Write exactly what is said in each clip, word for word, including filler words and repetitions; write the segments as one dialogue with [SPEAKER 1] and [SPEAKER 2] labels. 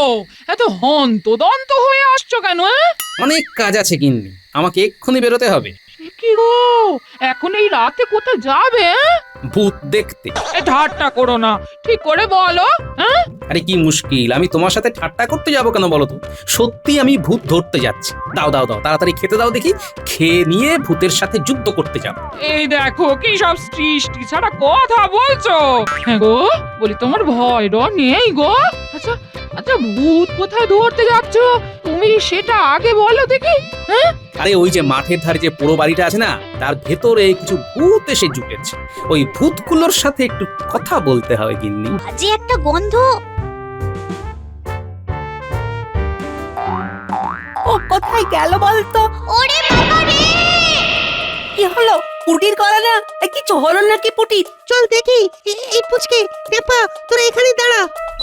[SPEAKER 1] এত হন্তদন্ত হয়ে আসছো কেন?
[SPEAKER 2] অনেক কাজ আছে গিন্নি, আমাকে এক্ষুনি বেরোতে হবে।
[SPEAKER 1] কি গো, এখন এই রাতে কোথায় যাবে?
[SPEAKER 2] ভূত দেখতে।
[SPEAKER 1] এ ঠাট্টা করো না, ঠিক করে বলো। হ্যাঁ,
[SPEAKER 2] আরে কি মুশকিল, আমি তোমার সাথে ঠাট্টা করতে যাবো কেন বলো তো? সত্যি আমি ভূত ধরতে যাচ্ছি। দাও দাও দাও, তাড়াতাড়ি খেতে দাও দেখি, খেয়ে নিয়ে ভূতের সাথে যুদ্ধ করতে যাবো।
[SPEAKER 1] এই দেখো কি সব সৃষ্টি ছাড়া কথা বলছো। হ্যাঁ গো, বলি তোমার ভয় ডর নেই গো? আচ্ছা আচ্ছা, ভূত কোথায় ধরতে যাচ্ছ তুমি সেটা আগে বলো দেখি। হ্যাঁ,
[SPEAKER 2] আরে ওই যে মাঠের ধারে যে পোড়ো বাড়িটা আছে না, তার ভেতরে কিছু ভূত এসে জুটেছে। ওই ভূতগুলোর সাথে একটু কথা বলতে হবে গিন্নি।
[SPEAKER 3] যে একটা গন্ধ।
[SPEAKER 4] ও কোথায় গেল বলতো?
[SPEAKER 3] ওরে বাবা রে!
[SPEAKER 4] কি হলো? পুটির গলা না? এ কিছু হলো নাকি পুটির?
[SPEAKER 5] চল দেখি। এ- এই পুচকে টেপা, তোরা এখানে দাঁড়া।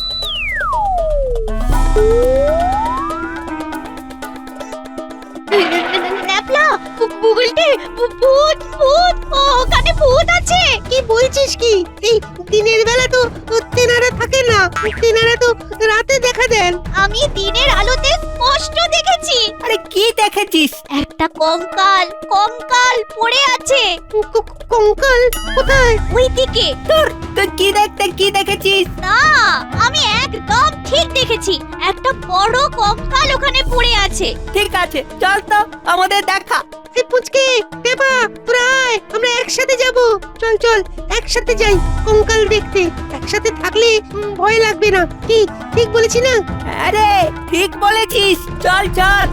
[SPEAKER 3] ন্যাপলা, গুগলটে, ভূত ভূত, ওখানে ভূত আছে।
[SPEAKER 5] কি বলছিস কি? এই দিনের বেলা তো তেনারা থাকে না, তেনারা তো রাতে দেখা দেন।
[SPEAKER 3] আমি দিনের আলোতে স্পষ্ট দেখেছি।
[SPEAKER 4] আরে কি দেখেছিস?
[SPEAKER 3] একটা কঙ্কাল, কঙ্কাল পড়ে আছে
[SPEAKER 5] ক- ক- কঙ্কাল কোথায়?
[SPEAKER 3] ওই দিকে।
[SPEAKER 4] তোর তুই কি দেখতে কি দেখেছিস?
[SPEAKER 3] না, আমি একদম ঠিক দেখেছি। একটা বড় কঙ্কাল ওখানে পড়ে আছে।
[SPEAKER 4] ঠিক আছে, চল তো আমাদের দেখা।
[SPEAKER 5] এই পুচকে টেপা, তোরা আয়, আমরা একসাথে যাব। চল চল একসাথে যাই কঙ্কাল দেখতে। একসাথে থাকলে উম, ভয় লাগবে না। কি ঠিক বলেছি না?
[SPEAKER 4] আরে ঠিক বলেছিস, চল চল।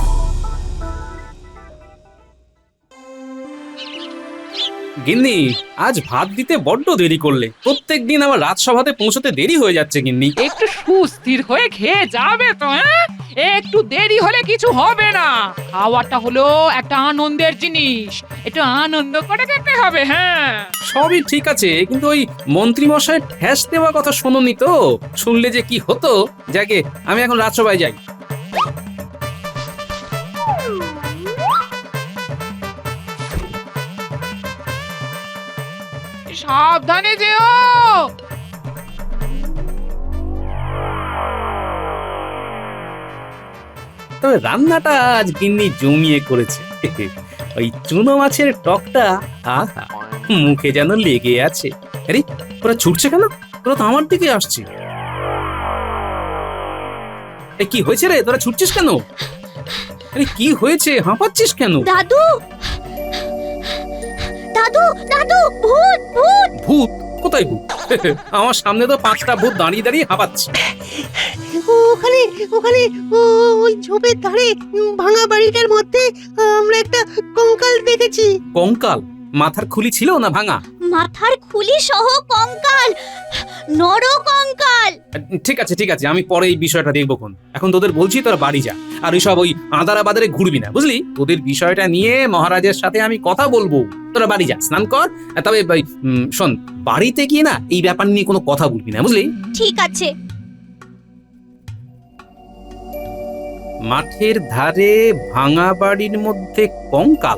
[SPEAKER 2] গিন্নি, আজ ভাত দিতে বড্ড দেরি করলে। প্রত্যেক দিন আমার রাজসভাতে পৌঁছতে দেরি হয়ে যাচ্ছে গিন্নি।
[SPEAKER 1] একটু সুস্থির হয়ে খেয়ে যাবে তো। হ্যাঁ, একটু দেরি হলে কিছু হবে না। খাওয়াটা হলো একটা আনন্দের জিনিস, একটু আনন্দ করে খেতে হবে। হ্যাঁ,
[SPEAKER 2] সবই ঠিক আছে, কিন্তু ওই মন্ত্রী মশাই ঠ্যাস দেওয়া কথা শোনোনি তো? শুনলে যে কি হতো। যাকে, আমি এখন রাজসভায় যাই।
[SPEAKER 1] সাবধানে যেও।
[SPEAKER 2] তবে রান্নাটা আজ গিন্নি জমিয়ে করেছে। ওই চুনো মাছের টকটা আহা, মুখে যেন লেগে আছে। আরে ওরা ছুটছে কেন? ওরা তো আমার দিকে আসছে। এ কি হয়েছে রে, তোরা ছুটছিস কেন? আরে কি হয়েছে, হাঁপাচ্ছিস কেন?
[SPEAKER 3] দাদু, দাদু, দাদু, ভূত ভূত।
[SPEAKER 2] ভূত? কোথায় ভূত? আমার সামনে তো পাঁচটা ভূত দাঁড়িয়ে দাঁড়িয়ে হাঁপাচ্ছে।
[SPEAKER 5] ওখানে ওখানে ও- ওই ঝোপের ধারে উম, ভাঙা বাড়িটার মধ্যে আমরা একটা কঙ্কাল দেখেছি।
[SPEAKER 2] কঙ্কাল? মাথার খুলি ছিল না ভাঙা?
[SPEAKER 3] মাথার খুলি সহ কঙ্কাল, নর কঙ্কাল।
[SPEAKER 2] ঠিক আছে ঠিক আছে, আমি পরে এই বিষয়টা দেখবো কোন। এখন তোদের বলছি তোরা বাড়ি যা, আর ওইসব ওই আদারা বাদারে ঘুরবি না, বুঝলি? তোদের বিষয়টা নিয়ে মহারাজের সাথে আমি কথা বলবো। তোরা বাড়ি যা, স্নান কর। তবে ওই, উম, শোন, বাড়িতে গিয়ে না এই ব্যাপার নিয়ে কোনো কথা বলবি না, বুঝলি?
[SPEAKER 3] ঠিক আছে।
[SPEAKER 2] মাঠের ধারে ভাঙা বাড়ির মধ্যে কঙ্কাল।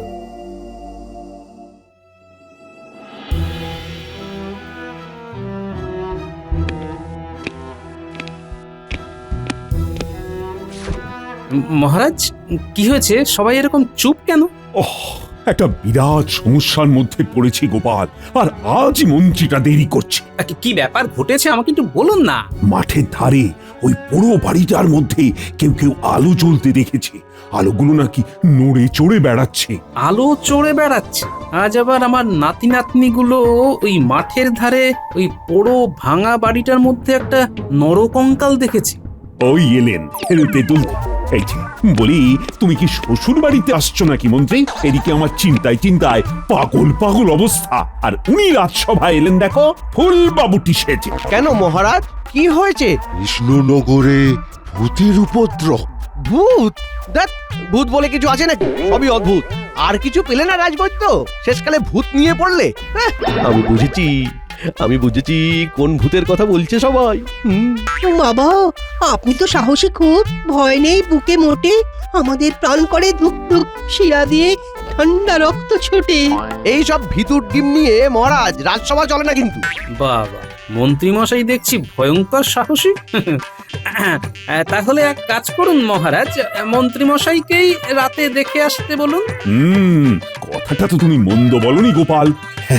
[SPEAKER 2] মহারাজ, কি হয়েছে? সবাই এরকম চুপ কেন?
[SPEAKER 6] ওহ, একটা বিরাট সমস্যার মধ্যে পড়েছি গোপাল, আর আজ মন্ত্রীটা দেরি করছে।
[SPEAKER 2] কি- কি ব্যাপার ঘটেছে আমাকে একটু বলুন না।
[SPEAKER 6] মাঠের ধারে ওই পুরো বাড়িটার মধ্যে কেউ কেউ আলো জ্বলতে দেখেছে। আলোগুলো নাকি নড়ে চড়ে বেড়াচ্ছে।
[SPEAKER 2] আলো চড়ে বেড়াচ্ছে? আজ আবার আমার নাতি নাতনিগুলো ওই মাঠের ধারে ওই পোড়ো ভাঙা বাড়িটার মধ্যে একটা নরকঙ্কাল দেখেছে।
[SPEAKER 6] ওই এলেন তেঁতুল। এই যে বলি, তুমি কি শ্বশুর বাড়িতে আসছো নাকি মন্ত্রী? এদিকে আমার চিন্তায় চিন্তায় পাগল পাগল অবস্থা, আর উনি রাজসভায় এলেন দেখো ফুল বাবুটি সেজে।
[SPEAKER 7] কেন মহারাজ, কি হয়েছে?
[SPEAKER 8] কৃষ্ণনগরে ভূতের উপদ্রব।
[SPEAKER 7] ভূত? দেখ, ভূত বলে কিছু আছে নাকি? সবই অদ্ভুত। আর কিছু পেলে না রাজবৈদ্য? শেষকালে ভূত নিয়ে পড়লে? হ্যাঁ, আমি বুঝেছি, আমি বুঝেছি কোন ভূতের কথা বলছে সবাই। হুম।
[SPEAKER 5] বাবা, আপনি তো সাহসী খুব, ভয় নেই বুকে মোটে। আমাদের প্রাণ করে ধুক ধুক, শিরা দিয়ে ঠান্ডা রক্ত ছোটে।
[SPEAKER 7] এই সব ভিতুর ডিম নিয়ে মহারাজ রাজসভা চলে না কিন্তু।
[SPEAKER 2] বাবা, মন্ত্রী মশাই দেখছি ভয়ঙ্কর সাহসী। আহ, তাহলে এক কাজ করুন মহারাজ, মন্ত্রীমশাইকেই রাতে দেখে আসতে বলুন।
[SPEAKER 6] হুম কথাটা তো তুমি মন্দ বলনি গোপাল।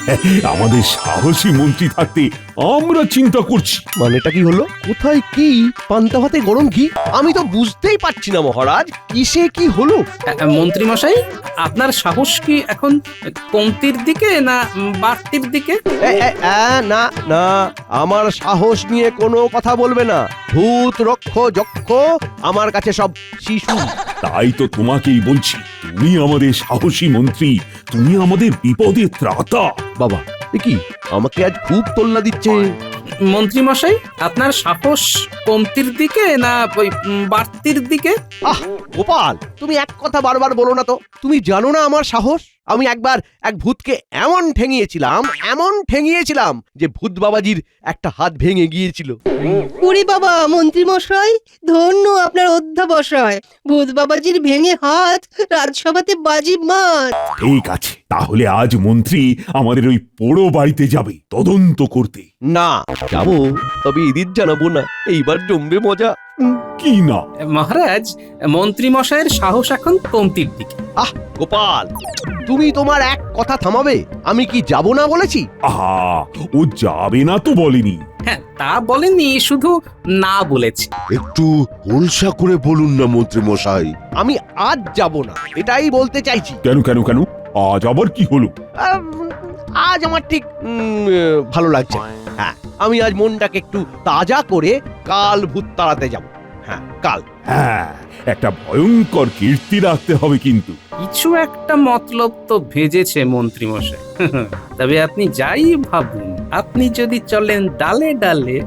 [SPEAKER 6] আমাদের সাহসী মন্ত্রী থাকতে আমরা চিন্তা করছি।
[SPEAKER 7] মানেটা কি হলো? কোথায় কি পান্তা ভাতে গরম ঘি? আমি তো বুঝতেই পারছি না মহারাজ, কিসে কি হলো?
[SPEAKER 2] আহ, মন্ত্রীমশাই, আপনার সাহস কি এখন কমতির দিকে না বাড়তির দিকে?
[SPEAKER 7] এ, এ, এ, না না, আমার সাহস নিয়ে কোনো কথা বলবে না। ভূত রক্ষ যক্ষ আমার কাছে সব শিশু।
[SPEAKER 6] তাই তো তোমাকেই বলছি, তুমি আমাদের সাহসী মন্ত্রী, তুমি আমাদের বিপদে ত্রাতা।
[SPEAKER 7] বাবা এ কি, আমাকে আজ খুব তোল্লা দিচ্ছে।
[SPEAKER 2] মন্ত্রীমশাই, আপনার সাহস কমতির দিকে না ওই উম, বাড়তির দিকে?
[SPEAKER 7] আহ গোপাল, তুমি এক কথা বারবার বলো না তো। তুমি জানো না আমার সাহস? আমি একবার এক ভূতকে এমন ঠেঙিয়েছিলাম, এমন ঠেঙিয়েছিলাম যে ভূত বাবাজির একটা হাত ভেঙে গিয়েছিল।
[SPEAKER 5] ওরে বাবা মন্ত্রী মশাই, ধন্য আপনার অধ্যাবসায়। ভূত বাবাজির ভেঙে হাত রাজসভাতে বাজি মার।
[SPEAKER 6] ঠিক আছে, তাহলে আজ মন্ত্রী আমাদের ওই পোড়ো বাড়িতে যাবে তদন্ত করতে।
[SPEAKER 7] না যাবো, তবে এদিন জানাবো না। এইবার জমবে মজা।
[SPEAKER 6] কি না?
[SPEAKER 2] মহারাজ, মন্ত্রীমশাইয়ের সাহস এখন কমতির দিকে।
[SPEAKER 7] আহ গোপাল, তুমি তোমার এক কথা থামাবে? আমি কি যাব না বলেছি?
[SPEAKER 6] আহা, ও যাবে না তো বলেনি।
[SPEAKER 2] হ্যাঁ, তা বলেননি, শুধু না বলেছে।
[SPEAKER 8] একটু হোলসা করে বলুন না মন্ত্রী মশাই।
[SPEAKER 7] আমি আজ যাব না, এটাই বলতে চাইছি।
[SPEAKER 6] কেন কেন কেন? আজ আবার কি হলো?
[SPEAKER 7] আম, আজ আমার ঠিক উম, ভালো লাগছে না। হ্যাঁ, আমি আজ মনটাকে একটু তাজা করে কাল ভূত তাড়াতে যাব। হ্যাঁ কাল।
[SPEAKER 6] হ্যাঁ, একটা ভয়ঙ্কর কীর্তি রাখতে হবে কিন্তু।
[SPEAKER 2] কিছু একটা মতলব তো ভেজেছে মন্ত্রীমশাই। তবে আপনি যাই ভাবুন, আপনি যদি চলেন ডালে ডালে,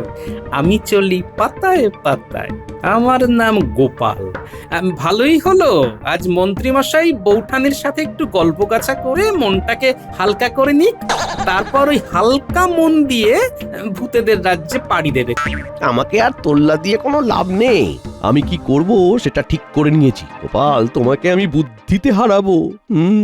[SPEAKER 2] আমি চলি পাতায় পাতায়। আমার নাম গোপাল। আম, ভালোই হলো আজ মন্ত্রীমশাই বৌঠানের সাথে একটু গল্প গাছা করে মনটাকে হালকা করে নিক, তারপর ওই হালকা মন দিয়ে আম, ভূতেদের রাজ্যে পাড়ি দেবে।
[SPEAKER 7] আমাকে আর তোল্লা দিয়ে কোনো লাভ নেই। আমি কি করব সেটা ঠিক করে নিয়েছি। গোপাল, তোমাকে আমি বুদ্ধিতে হারাবো। হুম।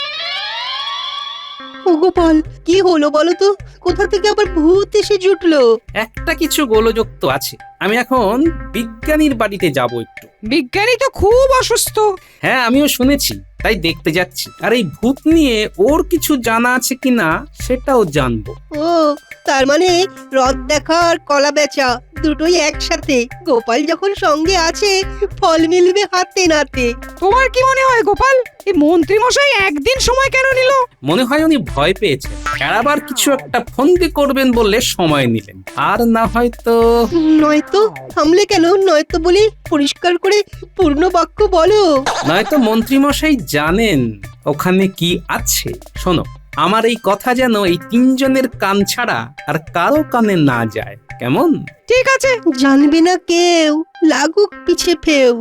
[SPEAKER 5] ও গোপাল, কি হলো বলো তো? কোথা থেকে আবার ভূত এসে জুটলো?
[SPEAKER 2] একটা কিছু গোলযোগ তো আছে। আমি এখন বিজ্ঞানীর বাড়িতে যাব একটু।
[SPEAKER 1] বিজ্ঞানী তো খুব অসুস্থ।
[SPEAKER 2] হ্যাঁ, আমিও শুনেছি, তাই দেখতে যাচ্ছি। আর এই ভূত নিয়ে ওর কিছু জানা আছে কিনা সেটাও জানবো।
[SPEAKER 5] ও তার মানে রথ দেখা আর কলা বেচা দুটোই একসাথে। গোপাল যখন সঙ্গে আছে, ফল মিলবে হাতে নাতে।
[SPEAKER 1] তোমার কি মনে হয় গোপাল, এই মন্ত্রী মশাই একদিন সময় কেন নিল?
[SPEAKER 2] মনে হয় উনি ভয় পেয়েছেন, আবার কিছু একটা ফন্দি করবেন বলে সময় নিলেন। আর না হয়তো
[SPEAKER 5] নয়তো থামলে কেন? নয়তো বলে পরিষ্কার করে পূর্ণ বাক্য বলো।
[SPEAKER 2] নয়তো মন্ত্রীমশাই জানেন ওখানে কি আছে। শোনো, আমার এই কথা যেন এই তিনজনের কান ছাড়া আর কারো কানে না যায়, কেমন?
[SPEAKER 1] ঠিক আছে।
[SPEAKER 5] জানবে না কেউ, লাগুক পিছে ফেউ।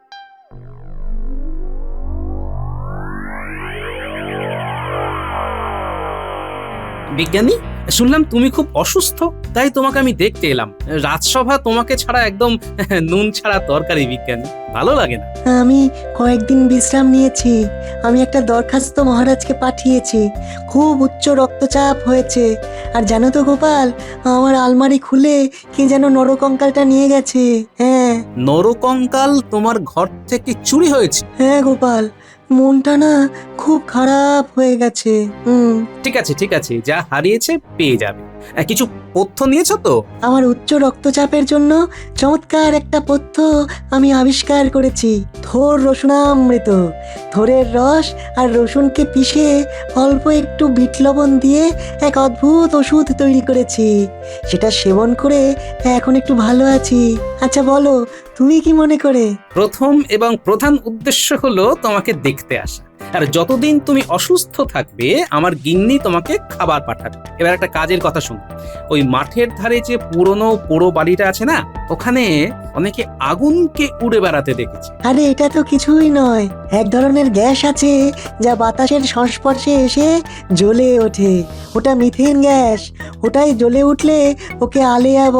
[SPEAKER 2] বিজ্ঞানী, শুনলাম তুমি খুব অসুস্থ, তাই তোমাকে আমি দেখতে এলাম। রাজসভা তোমাকে ছাড়া একদম নুন ছাড়া তরকারি। বিজ্ঞানী, ভালো লাগে না?
[SPEAKER 4] আমি কয়েকদিন বিশ্রাম নিয়েছি। আমি একটা দরখাস্ত মহারাজকে পাঠিয়েছি। খুব উচ্চ রক্তচাপ হয়েছে। আর জানো তো গোপাল, আমার আলমারি খুলে কে যেন নরকঙ্কালটা নিয়ে গেছে। হ্যাঁ
[SPEAKER 2] নরকঙ্কাল তোমার ঘর থেকে চুরি হয়েছে?
[SPEAKER 4] হ্যাঁ গোপাল, মনটা না খুব খারাপ হয়ে গেছে। হুম
[SPEAKER 2] ঠিক আছে ঠিক আছে, যা হারিয়েছে পেয়ে যাবে। আহ, কিছু পথ্য নিয়েছো তো?
[SPEAKER 4] আমার উচ্চ রক্তচাপের জন্য চমৎকার একটা পথ্য আমি আবিষ্কার করেছি। থোর রসুনামৃত। থোরের রস আর রসুনকে পিষে অল্প একটু বিট লবণ দিয়ে এক অদ্ভুত ওষুধ তৈরি করেছি। সেটা সেবন করে এখন একটু ভালো আছি। আচ্ছা বলো, তুমি কি মনে করে?
[SPEAKER 2] প্রথম এবং প্রধান উদ্দেশ্য হলো তোমাকে দেখতে আসা। আর যতদিন তুমি অসুস্থ থাকবে, আমার গিন্নি তোমাকে খাবার পাঠাবে। এবার একটা কাজের কথা শুনো। ওই মাঠের ধারে যে পুরনো পোড়ো বাড়িটা আছে না, ওখানে অনেকে আগুনকে উড়ে বেড়াতে দেখেছে।
[SPEAKER 4] আরে এটা তো কিছুই নয়, এক ধরনের গ্যাস আছে যা বাতাসের সংস্পর্শে এসে জ্বলে ওঠে। ওটা মিথেন গ্যাস। ওটাই জ্বলে উঠলে ওকে আলেয়া বলে।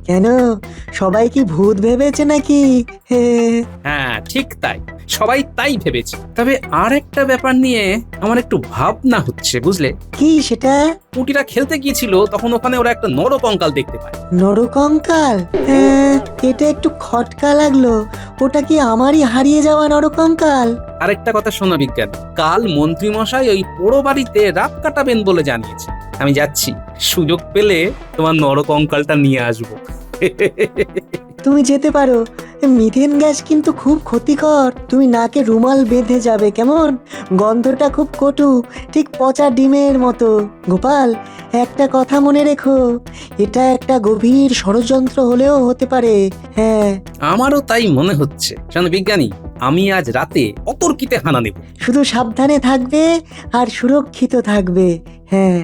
[SPEAKER 4] কেন সবাই কি ভূত ভেবেছে নাকি? হে,
[SPEAKER 2] হ্যাঁ ঠিক তাই, সবাই তাই ভেবেছে। তবে আর একটা ব্যাপার নিয়ে আমার একটু ভাবনা হচ্ছে, বুঝলে?
[SPEAKER 4] কি সেটা?
[SPEAKER 2] পুটিরা খেলতে গিয়েছিল, তখন ওখানে ওরা একটা নরকঙ্কাল দেখতে পায়।
[SPEAKER 4] নরকঙ্কাল? হ্যাঁ, এটা একটু খটকা লাগলো। ওটা কি আমারই হারিয়ে যাওয়া নরকঙ্কাল?
[SPEAKER 2] আরেকটা কথা শোনো বিজ্ঞান, কাল মন্ত্রী মশাই ওই পোড়ো বাড়িতে রাত কাটাবেন বলে জানিয়েছে। আমি যাচ্ছি, সুযোগ পেলে তোমার নরকঙ্কালটা নিয়ে আসবো।
[SPEAKER 4] তুমি যেতে পারো, মিথেন গ্যাস কিন্তু খুব ক্ষতিকর। তুমি নাকে রুমাল বেঁধে যাবে, কেমন? গন্ধটা খুব কটু, ঠিক পচা ডিমের মতো। গোপাল, একটা কথা মনে রেখো, এটা একটা গভীর ষড়যন্ত্র হলেও হতে পারে। হ্যাঁ,
[SPEAKER 2] আমারও তাই মনে হচ্ছে। শোনো বিজ্ঞানী, আমি আজ রাতে অতর্কিতে হানা নেব।
[SPEAKER 4] শুধু সাবধানে থাকবে আর সুরক্ষিত থাকবে। হ্যাঁ।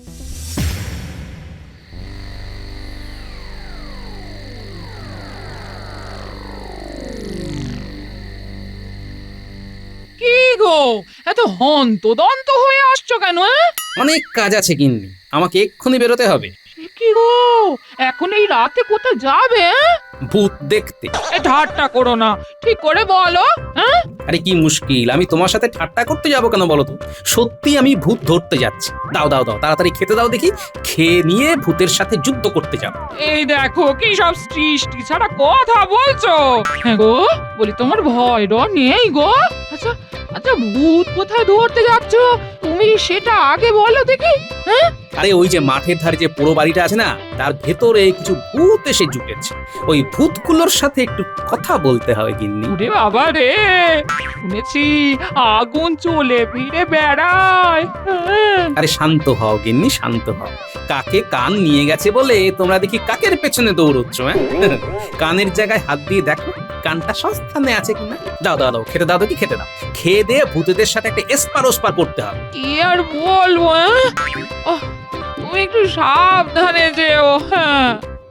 [SPEAKER 1] কি গো, এত হন্তদন্ত হয়ে আসছো কেন? হ্যাঁ?
[SPEAKER 2] অনেক কাজ আছে গিন্নি, আমাকে এক্ষুনি বেরোতে হবে।
[SPEAKER 1] সে কি গো, এখন এই রাতে কোথায় যাবে? হ্যাঁ?
[SPEAKER 2] ভূত দেখতে।
[SPEAKER 1] এ ঠাট্টা করো না, ঠিক করে বলো। হ্যাঁ,
[SPEAKER 2] আরে কি মুশকিল, আমি তোমার সাথে ঠাট্টা করতে যাবো কেন বলো তো? সত্যি আমি ভূত ধরতে যাচ্ছি। দাও দাও দাও, তাড়াতাড়ি খেতে দাও দেখি, খেয়ে নিয়ে ভূতের সাথে যুদ্ধ করতে যাবো।
[SPEAKER 1] এই দেখো কি সব সৃষ্টি ছাড়া কথা বলছো। হ্যাঁ গো, বলি তোমার ভয় ডর নেই গো? আচ্ছা আচ্ছা, ভূত কোথায় ধরতে যাচ্ছ তুমি সেটা আগে বলো দেখি। হ্যাঁ,
[SPEAKER 2] আরে ওই যে মাঠের ধারে যে পোড়ো বাড়িটা আছে না, তার ভেতরে কিছু ভূত এসে জুটেছে। ওই ভূতগুলোর সাথে একটু কথা বলতে হবে গিন্নি।
[SPEAKER 1] ওরে বাবা রে, শুনেছি আগুন চলে ফিরে বেড়ায়। হ্যাঁ।
[SPEAKER 2] আরে শান্ত হও গিন্নি, শান্ত হও। কাকে কান নিয়ে গেছে বলে তোমরা দেখি কাকের পেছনে দৌড়চ্ছ। হ্যাঁ, কানের জায়গায় হাত দিয়ে দেখো কানটা সস্থানে আছে কিনা। দাও দাও দাও, খেতে দাও দেখি, খেতে দাও। খেয়ে দিয়ে ভূতেদের সাথে একটা এসপার ওসপার করতে হবে।
[SPEAKER 1] কি আর বলবো? হ্যাঁ? ওহ, তুমি একটু সাবধানে যেও। হ্যাঁ,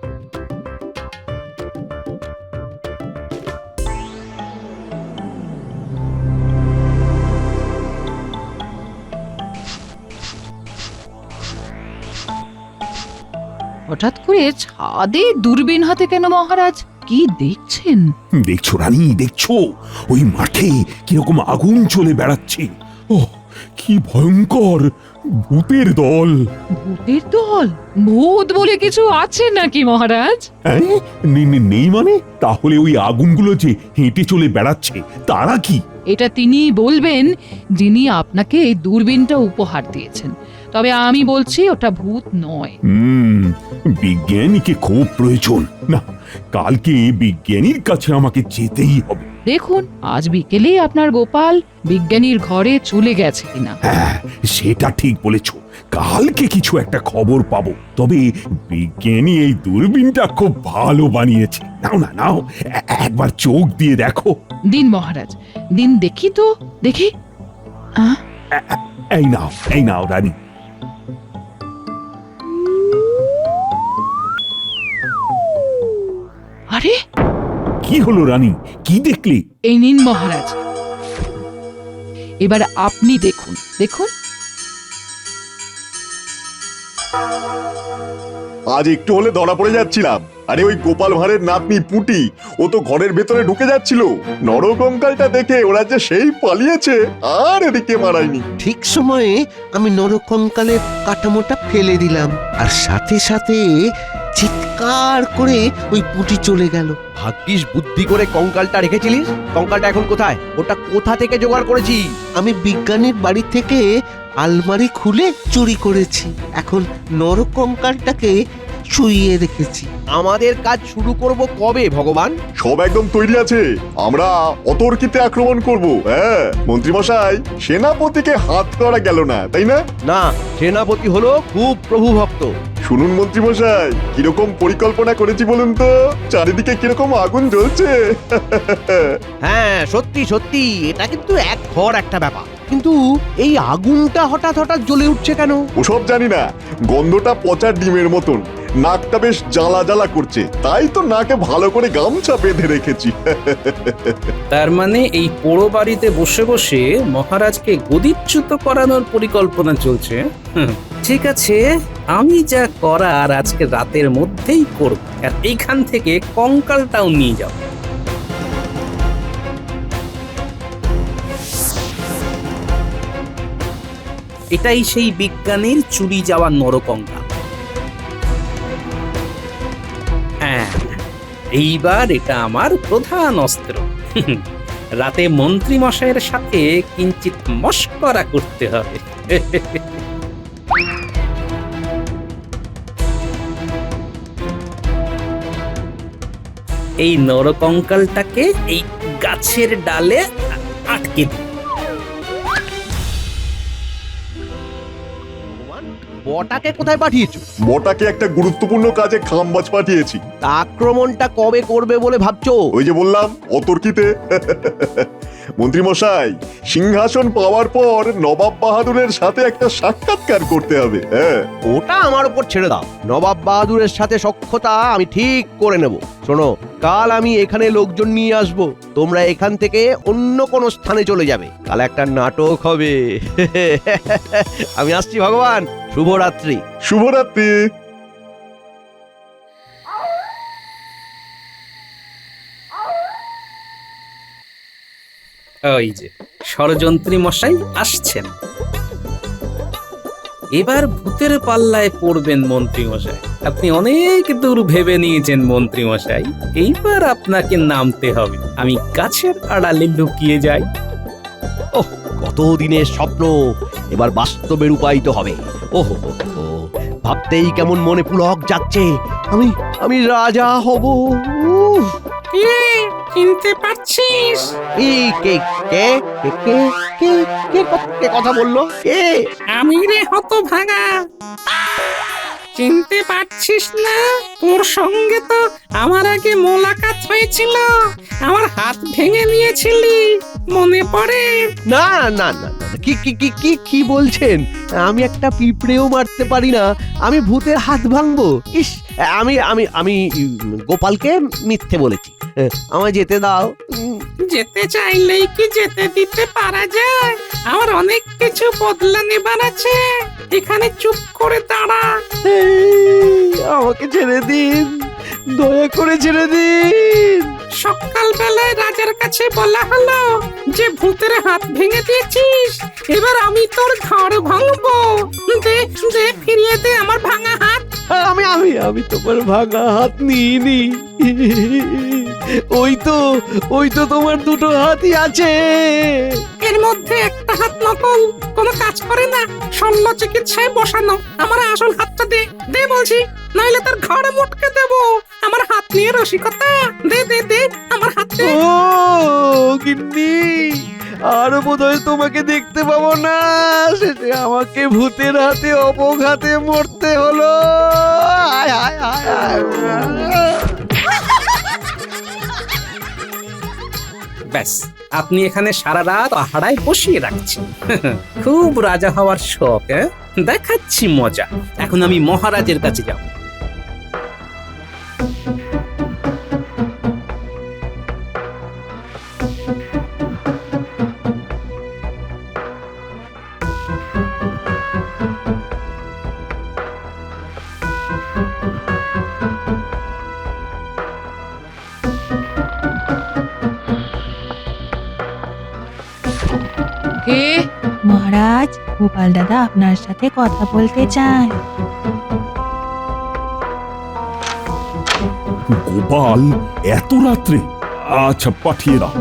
[SPEAKER 1] হঠাৎ করে ছাদে দূরবীন হাতে কেন মহারাজ? কি দেখছেন?
[SPEAKER 6] দেখছো রানী, দেখছো ওই মাঠে কিরকম আগুন চলে বেড়াচ্ছে। ও কি ভয়ঙ্কর ভূতের দল!
[SPEAKER 1] ভূতের দল? ভূত বলে কিছু আছে নাকি মহারাজ?
[SPEAKER 6] হ্যাঁ, নে- নে- নেই মানে? তাহলে ওই আগুনগুলো যে হেঁটে চলে বেড়াচ্ছে তারা কি?
[SPEAKER 1] এটা তিনি বলবেন যিনি আপনাকে এই দূরবীনটা উপহার দিয়েছেন। তবে আমি বলছি ওটা ভূত নয়।
[SPEAKER 6] হুম, বিজ্ঞানীকে খুব প্রয়োজন। না, কালকে বিজ্ঞানীর কাছে আমাকে যেতেই হবে।
[SPEAKER 1] দেখুন আজ বিকেলে আপনার গোপাল বিজ্ঞানীর ঘরে চলে গেছে কিনা।
[SPEAKER 6] হ্যাঁ, সেটা ঠিক বলেছ। কালকে কিছু একটা খবর পাবো। তবে বিজ্ঞানী এই দূরবীনটা খুব ভালো বানিয়েছে। নাও না নাও, এ- একবার চোখ দিয়ে দেখো।
[SPEAKER 1] দিন মহারাজ, দিন দেখি তো, দেখি। আহ,
[SPEAKER 6] এই নাও, এই নাও রানী।
[SPEAKER 1] আরে
[SPEAKER 6] কি হলো রানী, কি দেখলে?
[SPEAKER 1] এই নিন মহারাজ, এবার আপনি দেখুন, দেখুন।
[SPEAKER 9] আজ একটু হলে ধরা পড়ে যাচ্ছিলাম। আরে ওই গোপাল ভাঁড়ের নাতনি পুটি, ও তো ঘরের ভেতরে ঢুকে যাচ্ছিল। নরকঙ্কালটা দেখে ওরা যে সেই পালিয়েছে, আর এদিকে মারায়নি।
[SPEAKER 7] ঠিক সময়ে আমি নরকঙ্কালের কাঠামোটা ফেলে দিলাম, আর সাথে সাথে চিৎকার করে ওই পুঁটি চলে গেল।
[SPEAKER 10] ভাগ্যিস বুদ্ধি করে কঙ্কালটা রেখেছিলিস। কঙ্কালটা এখন কোথায়? ওটা কোথা থেকে জোগাড় করেছি?
[SPEAKER 7] আমি বিজ্ঞানীর বাড়ি থেকে আলমারি খুলে চুরি করেছি। এখন নরকঙ্কালটাকে শুইয়ে রেখেছি।
[SPEAKER 10] আমাদের কাজ শুরু করব কবে ভগবান?
[SPEAKER 9] সব একদম তৈরি আছে, আমরা অতর্কিতে আক্রমণ করব। হ্যাঁ মন্ত্রী মশাই, সেনাপতিকে হাত করা গেল না, তাই না?
[SPEAKER 10] না, সেনাপতি হলো খুব প্রভু ভক্ত।
[SPEAKER 9] শুনুন মন্ত্রী মশাই, কিরকম পরিকল্পনা করেছি বলুন তো? চারিদিকে কিরকম আগুন জ্বলছে।
[SPEAKER 10] হ্যাঁ সত্যি সত্যি, এটা কিন্তু এক ঘর একটা ব্যাপার। কিন্তু এই আগুনটা হঠাৎ হঠাৎ জ্বলে উঠছে কেন?
[SPEAKER 9] ওসব জানি না, গন্ধটা পচা ডিমের মতন, নাকটা বেশ জ্বালা জ্বালা করছে, তাই তো নাকে ভালো করে গামছা বেঁধে রেখেছি।
[SPEAKER 2] তার মানে এই পোড়ো বাড়িতে বসে বসে মহারাজকে গদিচ্যুত করানোর পরিকল্পনা চলছে। হুম, ঠিক আছে, আমি যা করার আজকে রাতের মধ্যেই করব, আর এইখান থেকে কঙ্কালটাও নিয়ে যাও। এটাই সেই বিজ্ঞানীর চুরি যাওয়া নরকঙ্কাল। হ্যাঁ, এইবার এটা আমার প্রধান অস্ত্র। রাতে মন্ত্রী মশাইয়ের সাথে কিঞ্চিত মশকরা করতে হবে। এই নরকঙ্কালটাকে এই গাছের ডালে আটকে দিই।
[SPEAKER 10] বটাকে কোথায় পাঠিয়েছো?
[SPEAKER 9] মোটাকে একটা গুরুত্বপূর্ণ কাজে খামবাজ পাঠিয়েছি।
[SPEAKER 10] তা আক্রমণটা কবে করবে বলে ভাবছো?
[SPEAKER 9] ওই যে বললাম অতর্কিতে। মন্ত্রী মশাই, সিংহাসন পাওয়ার পর নবাব বাহাদুরের সাথে একটা সাক্ষাৎকার করতে হবে। হ্যাঁ,
[SPEAKER 10] ওটা আমার উপর ছেড়ে দাও। নবাব বাহাদুরের সাথে সখ্যতা আমি ঠিক করে নেব। শোনো, কাল আমি এখানে লোকজন নিয়ে আসব, তোমরা এখান থেকে অন্য কোনো স্থানে চলে যাবে। কাল একটা নাটক হবে। আমি আসছি ভগবান, শুভরাত্রি।
[SPEAKER 9] শুভরাত্রি।
[SPEAKER 2] ওই যে ষড়যন্ত্রী মশাই আসছেন। এবার ভূতের পাল্লায় পড়বেন মন্ত্রী মশাই। আপনি অনেক দূর ভেবে নিয়েছেন মন্ত্রী মশাই, এইবার আপনাকে নামতে হবে। আমি গাছের আড়ালে লুকিয়ে যাই।
[SPEAKER 10] ওহ, কত দিনের স্বপ্ন এবার বাস্তবে রূপায়িত হবে। ওহো, ভাবতেই কেমন মনে পুলক যাচ্ছে। আমি আমি রাজা হব। উফ,
[SPEAKER 1] চিনতে পারছিস?
[SPEAKER 10] এই কে কে কে কে কে কে ক- কে কথা বললো? কে?
[SPEAKER 1] আমি রে হতভাগা, চিনতে পারছিস না? তোর সঙ্গে তো আমার আগে মোলাকাত হয়েছিল, আমার হাত ভেঙে নিয়েছিলি, মনে পড়ে?
[SPEAKER 10] না না না না, কি কি কি কি কি বলছেন? আমি একটা পিঁপড়েও মারতে পারি না, আমি ভূতের হাত ভাঙবো? ইস, আমি আমি আমি উম, গোপালকে মিথ্যে বলেছি। আমায় যেতে দাও। উম,
[SPEAKER 1] যেতে চাইলেই কি যেতে দিতে পারা যায়? আমার অনেক কিছু বদলা নেবার আছে, এখানে চুপ করে দাঁড়া।
[SPEAKER 10] এই, আমাকে ছেড়ে দিন, দয়া করে ছেড়ে দিন।
[SPEAKER 1] সকাল বেলায় রাজার কাছে বলা হলো যে ভূতের হাত ভেঙে দিয়েছিস, এবার আমি তোর ঘর ভাঙবো। দে দে, ফিরিয়ে দে আমার ভাঙা হাত।
[SPEAKER 10] আমি আমি আমি তোমার ভাঙা হাত নিইনি। ওই তো ওই তো তোমার দুটো হাতই আছে।
[SPEAKER 1] এর মধ্যে একটা হাত নকল, কোনো কাজ করে না, শল্য চিকিৎসায় বসানো। আমার আসল হাতটা দে, দে বলছি, নইলে তোর ঘরে মুটকে দেবো। আমার হাত নিয়ে রসিকতা, দে দে দে আমার হাত দে।
[SPEAKER 10] ও গিন্নি, আর বোধহয় তোমাকে দেখতে পাবো না। শেষে আমাকে ভূতের হাতে অপঘাতে মরতে হলো। হায় হায় হায় হায়।
[SPEAKER 2] ব্যাস, আপনি এখানে সারা রাত আহারায় বসিয়ে রাখছেন। খুব রাজা হওয়ার শখ, হ্যাঁ? দেখাচ্ছি মজা। এখন আমি মহারাজের কাছে যাব।
[SPEAKER 1] কে?
[SPEAKER 11] মহারাজ, গোপাল দাদা আপনার সাথে কথা বলতে চায়।
[SPEAKER 6] গোপাল এত রাত্রে? আচ্ছা, পাঠিয়ে দাও।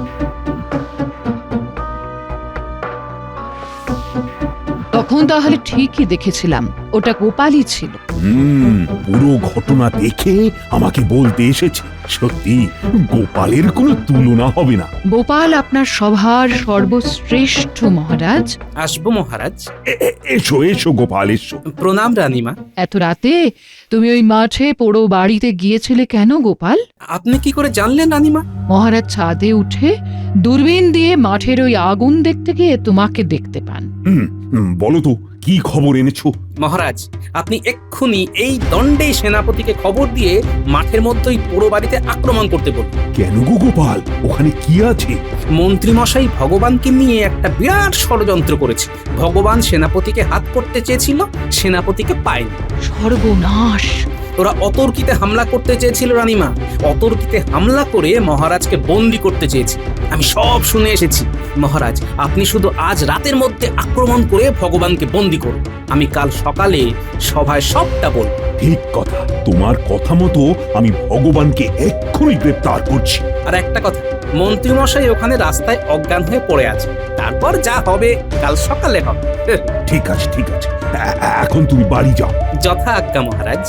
[SPEAKER 12] তখন তাহলে ঠিকই দেখেছিলাম, ওটা গোপালই ছিল।
[SPEAKER 6] হুম, পুরো ঘটনা দেখে আমাকে বলতে এসেছে। সত্যি গোপালের কোনো তুলনা হবে না।
[SPEAKER 12] গোপাল আপনার সভার সর্বশ্রেষ্ঠ মহারাজ।
[SPEAKER 2] আসবো মহারাজ।
[SPEAKER 6] এ- এ- এসো এসো গোপাল, এসো।
[SPEAKER 2] প্রণাম রানীমা।
[SPEAKER 12] এত রাতে তুমি ওই মাঠে পোড়ো বাড়িতে গিয়েছিলে কেন গোপাল?
[SPEAKER 2] আপনি কি করে জানলেন রানীমা?
[SPEAKER 12] মহারাজ ছাদে উঠে দূরবীন দিয়ে মাঠের ওই আগুন দেখতে গিয়ে তোমাকে দেখতে পান।
[SPEAKER 6] হুম, হুম, বলো তো কি খবর এনেছো?
[SPEAKER 2] মহারাজ, আপনি এক্ষুনি এই দণ্ডে সেনাপতিকে খবর দিয়ে মাঠের মধ্যে ওই পোড়ো বাড়িতে আক্রমণ করতে বলুন।
[SPEAKER 6] কেন গো গোপাল, ওখানে কি আছে?
[SPEAKER 2] মন্ত্রীমশাই ভগবানকে নিয়ে একটা বিরাট ষড়যন্ত্র করেছে। ভগবান সেনাপতিকে হাত করতে চেয়েছিল, সেনাপতিকে পায়নি।
[SPEAKER 12] সর্বনাশ!
[SPEAKER 2] ওরা অতর্কিতে হামলা করতে চেয়েছিল রানীমা, অতর্কিতে হামলা করে মহারাজকে বন্দি করতে চেয়েছে। আমি সব শুনে এসেছি। মহারাজ, আপনি শুধু আজ রাতের মধ্যে আক্রমণ করে ভগবানকে বন্দি করুন, আমি কাল সকালে সভায় সবটা বলব।
[SPEAKER 6] ঠিক কথা, তোমার কথা মতো আমি ভগবানকে এক্ষুনি গ্রেপ্তার করছি।
[SPEAKER 2] আর একটা কথা, মন্ত্রীমশাই ওখানে রাস্তায় অজ্ঞান হয়ে পড়ে আছে, তারপর যা হবে কাল সকালে হবে।
[SPEAKER 6] ঠিক আছে ঠিক আছে, এ- এখন তুমি বাড়ি যাও।
[SPEAKER 2] যথা আজ্ঞা মহারাজ।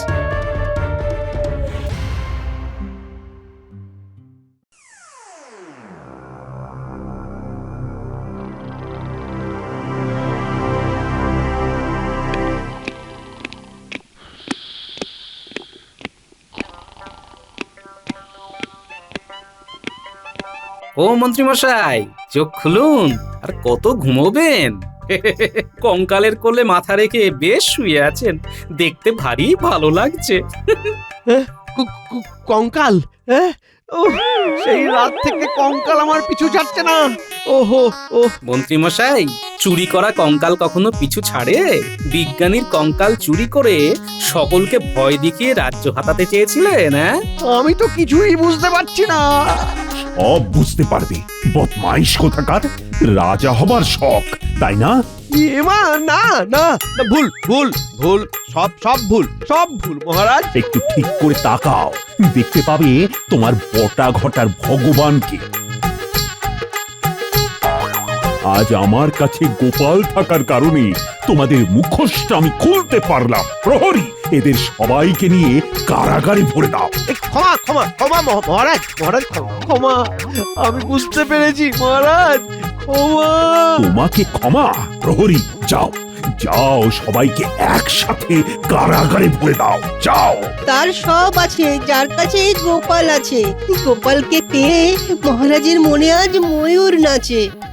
[SPEAKER 2] ও মন্ত্রীমশাই, চোখ খুলুন, আর কত ঘুমোবেন? কঙ্কালের কোলে মাথা রেখে বেশ শুয়ে আছেন, দেখতে ভারী ভালো লাগছে।
[SPEAKER 10] কু- কু- কঙ্কাল, হ্যাঁ? ওহ, সেই রাত থেকে কঙ্কাল আমার পিছু ছাড়ছে না। ওহো ও
[SPEAKER 2] মন্ত্রীমশাই, চুরি করা কঙ্কাল কখনো পিছু ছাড়ে? বিজ্ঞানীর কঙ্কাল চুরি করে সকলকে ভয় দেখিয়ে রাজ্য হাতাতে চেয়েছিলেন, হ্যাঁ?
[SPEAKER 10] আমি তো কিছুই বুঝতে পারছি না।
[SPEAKER 6] সব বুঝতে পারবে, বদমাইশ কোথাকার। রাজা হবার শখ, তাই না?
[SPEAKER 10] এমা না না না, ভুল ভুল ভুল, সব সব ভুল, সব ভুল মহারাজ।
[SPEAKER 6] একটু ঠিক করে তাকাও, দেখতে পাবে তোমার বটা ঘটার ভগবানকে। আজ আমার কাছে গোপাল থাকার কারণে তোমাদের মুখোশটা আমি খুলতে পারলাম। প্রহরী, এদের সবাইকে নিয়ে কারাগারে ভরে দাও।
[SPEAKER 10] এ, ক্ষমা ক্ষমা ক্ষমা মহ- মহারাজ মহারাজ ক্ষমা, ক্ষমা, আমি বুঝতে পেরেছি মহারাজ, ক্ষমা।
[SPEAKER 6] তোমাকে ক্ষমা? প্রহরী, যাও যাও, সবাইকে একসাথে কারাগারে ভরে দাও, যাও।
[SPEAKER 5] তার সব আছে, যার কাছে গোপাল আছে। গোপালকে পেয়ে মহারাজের মনে আজ ময়ূর নাচে।